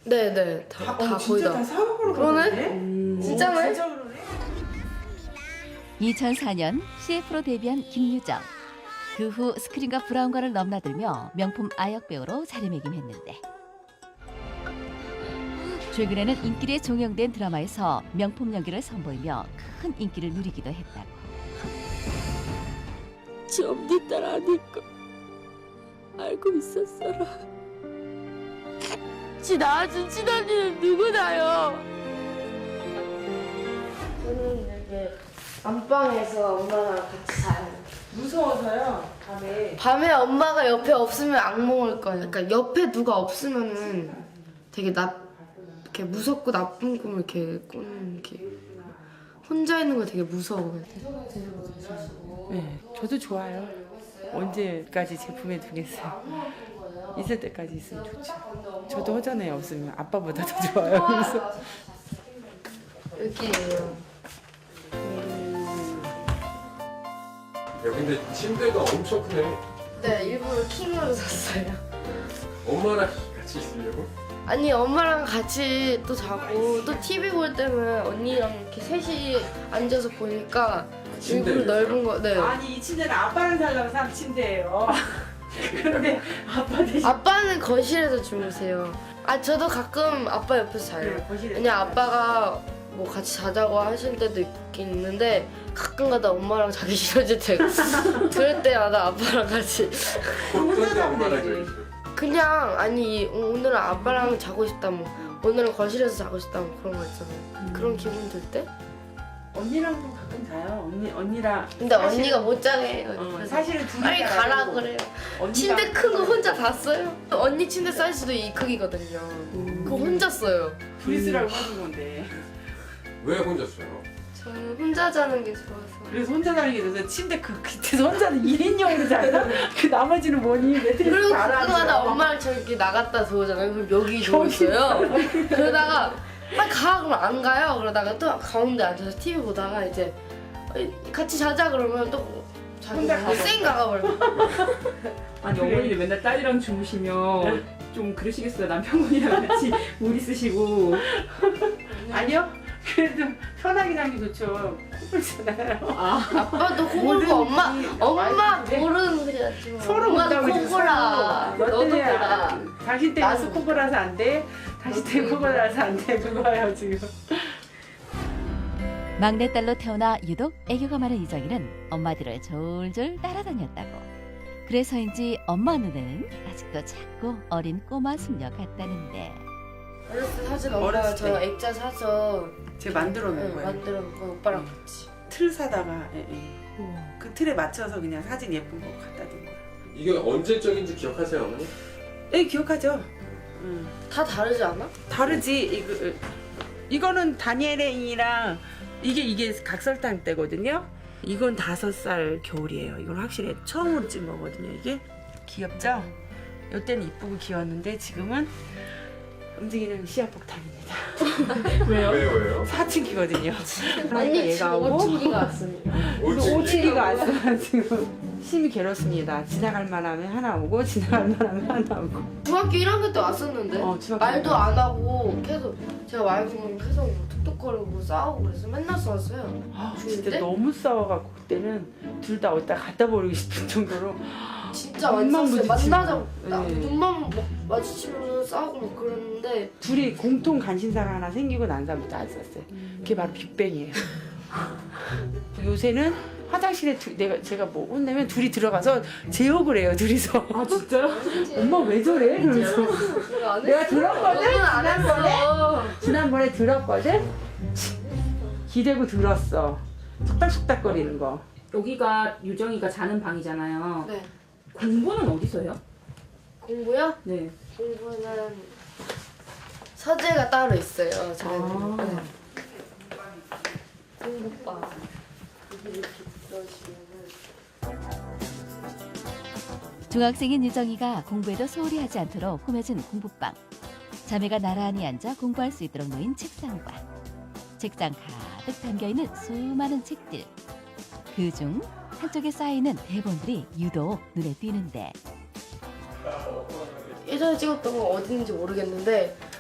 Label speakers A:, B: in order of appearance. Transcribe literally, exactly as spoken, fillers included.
A: 네네 다,
B: 다,
A: 다
B: 어,
A: 거의
B: 진짜
A: 다.
B: 다 사업으로
A: 그러네?
B: 가네?
A: 음.
B: 오,
A: 진짜네?
B: 진짜 그러네?
C: 이천사 년 씨에프로 데뷔한 김유정. 그 후 스크린과 브라운관을 넘나들며 명품 아역 배우로 자리매김했는데 최근에는 인기에 종영된 드라마에서 명품 연기를 선보이며 큰 인기를 누리기도 했다고.
D: 처음 네 딸 아니까 알고 있었어라. 지 낳아준 친언니는 누구나요?
A: 저는 이제 안방에서 엄마랑 같이 자요.
B: 무서워서요. 밤에
A: 밤에 엄마가 옆에 없으면 악몽을 꿔요. 그러니까 옆에 누가 없으면은 되게 나 이렇게 무섭고 나쁜 꿈을 이렇게 꾸는 게 혼자 있는 거 되게 무서워요.
B: 네, 저도 좋아요. 언제까지 제품에 두겠어요. 있을 때까지 있으면 좋죠. 저도 허전해 없으면 아빠보다 더 좋아요. 그래서
A: 여기에요.
E: 야 근데 침대가 엄청 크네.
A: 네, 일부러 킹으로 샀어요.
E: 엄마랑 같이 있으려고?
A: 아니 엄마랑 같이 또 자고 또 티비 볼 때는 언니랑 이렇게 셋이 앉아서 보니까
E: 침대
A: 일부러 넓은 거. 네.
B: 아니 이 침대는 아빠랑 살려고 산 침대예요. 그런데 아빠 대신
A: 아빠는 거실에서 주무세요. 아 저도 가끔 아빠 옆에서 자요.
B: 네, 거실에서
A: 왜냐 아빠가 뭐 같이 자자고 하실 때도 있긴 있는데 가끔가다 엄마랑 자기 싫어질 때 그럴 때마다 아빠랑 같이
E: 어떤 때 엄마랑
B: 되지.
E: 저기 있어요?
A: 그냥 아니 오늘은 아빠랑 자고 싶다 뭐 오늘은 거실에서 자고 싶다 뭐 그런 거 있잖아요. 그런 기분 들 때?
B: 언니랑도 가끔 자요. 언니 언니랑.
A: 근데
B: 사실-
A: 언니가 못 자게 해요.
B: 어,
A: 그래서
B: 사실은 둘이
A: 빨리 가라
B: 자라고
A: 그래요.
B: 언니가
A: 침대 큰 거 혼자 다 써요. 언니 침대 사이즈도 이 크기거든요. 그거 혼자 써요.
B: 둘이 쓰라고 하는 건데.
E: 왜 혼자 써요?
A: 저는 혼자 자는 게 좋아서.
B: 그래서 혼자 자는 게 돼서 침대 그 밑에서 혼자는 일 인용으로 자요. 그 나머지는 뭐니? 매트리스
A: 그리고
B: 달아서.
A: 가끔가다 엄마랑 저렇게 나갔다 들어오잖아요. 그럼 여기 누워있어요. 그러다가 빨리 가 그러면 안 가요. 그러다가 또 가운데 앉아서 티비 보다가 이제 같이 자자 그러면 또 자기
B: 혼자 가서.
A: 쌩 가가버려.
F: 아니
B: 그래.
F: 어머니는 맨날 딸이랑 주무시면 좀 그러시겠어요. 남편분이랑 같이 못 있으시고.
B: 아니요. 그래도 편하긴 한 게 좋죠. 커플잖아요.
A: 아빠도 코
B: 모든
A: 골고 엄마
B: 분이
A: 엄마
B: 많이 근데
A: 모르는 소리 하지 마.
B: 서로
A: 엄마도
B: 못하고
A: 코
B: 있어,
A: 골아.
B: 서로.
A: 너도
B: 너 때문에
A: 골아.
B: 아- 당신 때문에
A: 나도
B: 코골아서 안 돼. 당신 때문에 코골아서 안 돼. 그거예요 지금.
C: 막내딸로 태어나 유독 애교가 많은 이정희는 엄마들을 졸졸 따라다녔다고. 그래서인지 엄마 눈에는 아직도 작고 어린 꼬마 숙녀 같다는데.
A: 어렸을 때 사진 엄마가
B: 어렸을
A: 저랑
B: 때.
A: 액자 사서
B: 제가 만들어 놓은
A: 네,
B: 거예요.
A: 만들어 놓고 오빠랑 같이.
B: 틀 사다가 예, 예. 그 틀에 맞춰서 그냥 사진 예쁜 거 갖다 둔 거예요.
E: 이게 언제적인지 기억하세요 어머니?
B: 예, 기억하죠. 음.
A: 다 다르지 않아?
B: 다르지. 이거 이거는 다니엘이랑 이게 이게 각설탕 때거든요. 이건 다섯 살 겨울이에요. 이건 확실히 처음으로 찍은 거거든요. 이게 귀엽죠? 이때는 이쁘고 귀여웠는데 지금은 움직이는 시야폭탄입니다.
F: 왜요?
E: 왜요 왜요?
B: 사춘기거든요.
A: 아니
B: 얘가
A: 지금
B: 하고
A: 오춘기가 왔으니까.
B: 오칠이가 왔어요. 지금 심이 괴롭습니다. 지나갈 만하면 하나 오고 지나갈 만하면 하나 오고.
A: 중학교 일 학년 때 왔었는데
B: 어, 중학교
A: 말도
B: 때.
A: 안 하고 계속 제가 말 걸으면 계속 뭐 툭툭거리고 싸우고 그래서 맨날 싸웠어요.
B: 아,
A: 중일
B: 진짜
A: 때?
B: 너무 싸워갖고 그때는 둘 다 어디다 갖다 버리고 싶을 정도로
A: 진짜 많이
B: 눈만
A: 싸웠어요.
B: 부딪히고.
A: 만나자고 나
B: 네.
A: 눈만 막 마주치면 싸우고 막 그랬는데
B: 둘이 공통 관심사가 하나 생기고 난 다음부터 안 썼어요. 그게 바로 빅뱅이에요. 요새는 화장실에 두, 내가 제가 뭐 혼내면 둘이 들어가서 제욕을 해요. 둘이서.
F: 아 진짜요?
B: 엄마 왜 저래? 그러면서
A: 내가 안
B: 내가
A: 했어.
B: 들었거든.
A: 너는 안 했어.
B: 지난번에 들었거든. 기대고 들었어. 속닥속닥거리는 거.
F: 여기가 유정이가 자는 방이잖아요.
A: 네.
F: 공부는 어디서 해요?
A: 공부요?
F: 네.
A: 공부는 서재가 따로 있어요. 저희는.
F: 아.
A: 네. 공부방. 여기 이렇게 들어주시면은.
C: 중학생인 유정이가 공부에도 소홀히 하지 않도록 꾸며진 공부방. 자매가 나란히 앉아 공부할 수 있도록 놓인 책상과 책장 가득 담겨있는 수많은 책들. 그중 한쪽에 쌓여있는 대본들이 유독 눈에 띄는데
A: 예전에 찍었던 건 어딘지 모르겠는데